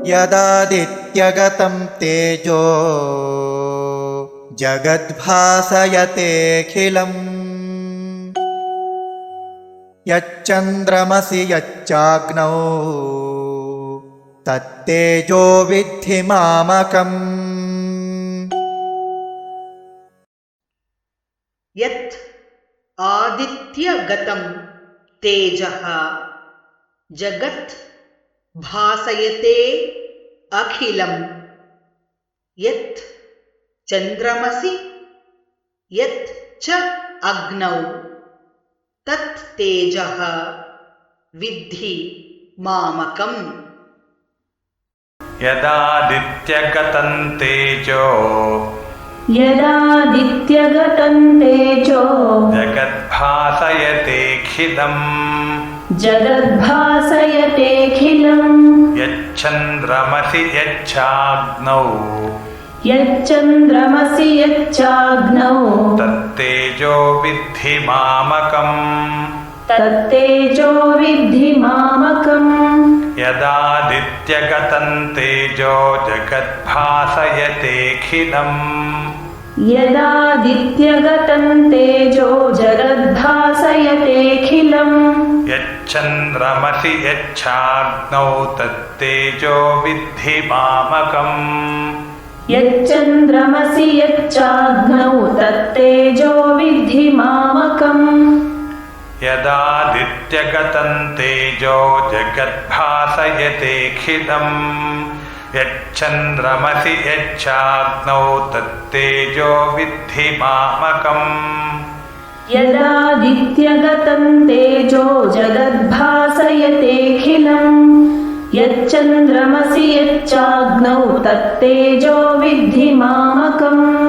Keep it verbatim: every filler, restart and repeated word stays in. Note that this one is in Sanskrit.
यदादित्यगतं तेजो जगद्भासयतेऽखिलम् यच्चन्द्रमसि यच्चाग्नौ तत्तेजो विद्धि मामकम्। यत् आदित्यगतं तेजः जगत् भासयते अखिलम् यत् चन्द्रमसि यत् च अग्नौ तत् तेजः विद्धि मामकम्। यदादित्यगतं तेजो यदादित्यगतं तेजो जगद्भासयतेऽखिलम् जगद्भासयतेऽखिलम् यच्चन्द्रमसि यच्चाग्नौ यच्चन्द्रमसि यच्चाग्नौ तत्तेजो विद्धि मामकम्। तत्तेजो विद्धि मामकम्। यदादित्यगतं तेजो जगद्भासयतेऽखिलम् यदादित्यगतं तेजो जगद्भासयतेऽखिलम् यच्चन्द्रमसि यच्चाग्नौ तत्तेजो विद्धि मामकम्। यच्चन्द्रमसि यच्चाग्नौ तत्तेजो विद्धि मामकम्। यदादित्यगतं तेजो जगद्भासयतेऽखिलम् यच्चन्द्रमसि यच्चाग्नौ तत्तेजो विद्धि मामकम्। यदादित्यगतं तेजो जगद्भासयतेऽखिलम् यच्चन्द्रमसि यच्चाग्नौ तत्तेजो विद्धि मामकम्।